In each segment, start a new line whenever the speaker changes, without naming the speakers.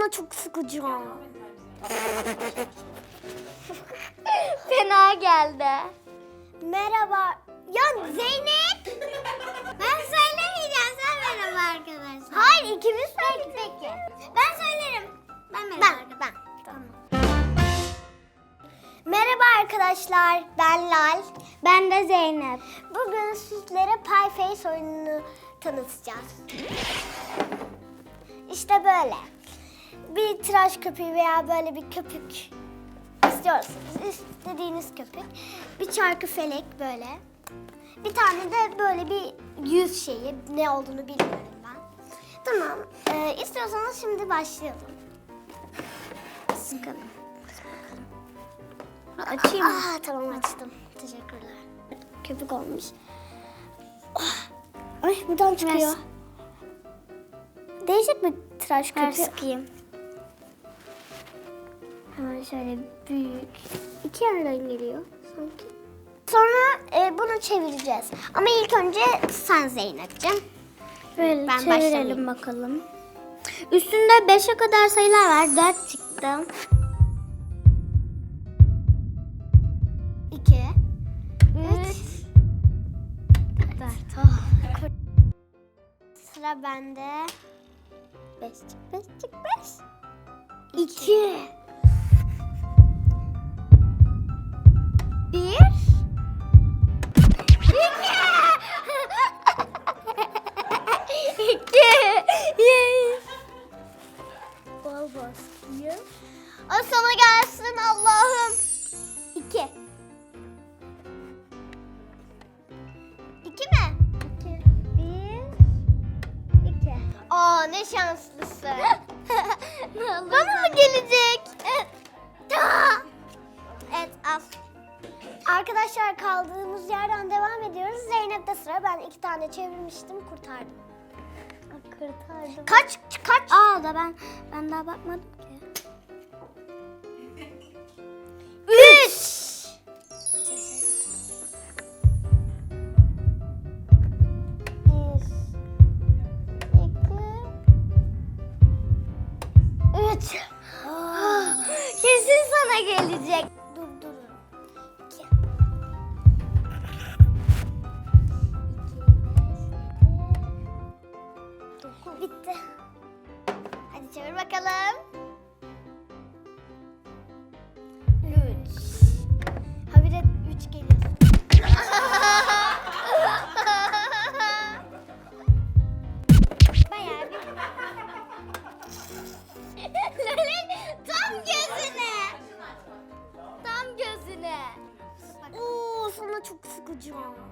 sana çok sıkıcı. Fena geldi. Merhaba. Ya Zeynep.
Ben söylemeyeceğim, sen merhaba arkadaşlar.
Hayır, ikimiz söyledik.
Peki. Ben söylerim. Ben merhaba.
Ben. Tamam. Merhaba arkadaşlar. Ben Lal.
Ben de Zeynep.
Bugün sizlere Pie Face oyununu tanıtacağız. İşte böyle. Bir tıraş köpüğü veya böyle bir köpük istiyorsanız, istediğiniz köpük. Bir çarkı felek böyle. Bir tane de böyle bir yüz şeyi. Ne olduğunu bilmiyorum ben. Tamam. İstiyorsanız şimdi başlayalım. Sıkalım.
Açayım mı?
Tamam, açtım. Teşekkürler. Köpük olmuş. Ay, buradan çıkıyor.
Ver.
Değişik bir tıraş
Ver
köpüğü.
sıkayım.
Hemen şöyle büyük. İki yerden geliyor sanki. Sonra bunu çevireceğiz. Ama ilk önce sen Zeynep'ciğim.
Böyle
Ben
çevirelim
başlamayayım.
bakalım. Üstünde 5'e kadar sayılar var. 4 çıktı.
2 3 4. Sıra bende. 5 çık 5 çık 5. 2 1 Bol baskıyı. Ay, sana gelsin Allah'ım. 2 2 mi? 2 1 2. Aa, ne şanslısın. Bana mı gelecek? Evet, al. Arkadaşlar, kaldığımız yerden devam ediyoruz. Zeynep'te sıra. Ben 2 tane çevirmiştim, kurtardım.
Kurtardım.
Kaç?
Aa da ben daha bakmadım ki.
3 3 Kesin sana gelecek. Dur. 2 Bitti. Hadi çevir bakalım. 3 Habire 3 geliyor. Bayağı bir... Tam gözüne. Tam gözüne. Oo, sana çok sıkıcı.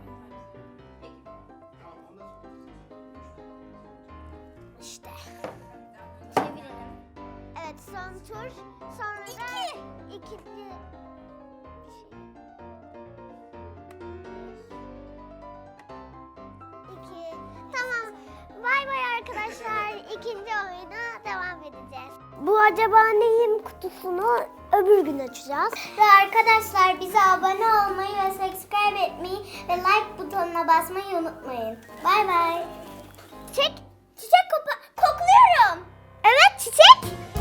İşte. Çevirelim. Evet, son tur. Sonra ikinci İki. Tamam. Bay bay arkadaşlar. İkinci oyuna devam edeceğiz. Bu acaba neyim kutusunu öbür gün açacağız.
Ve arkadaşlar bize abone olmayı ve subscribe etmeyi ve like butonuna basmayı unutmayın. Bay bay.
Çiçek kokluyorum. Evet, çiçek.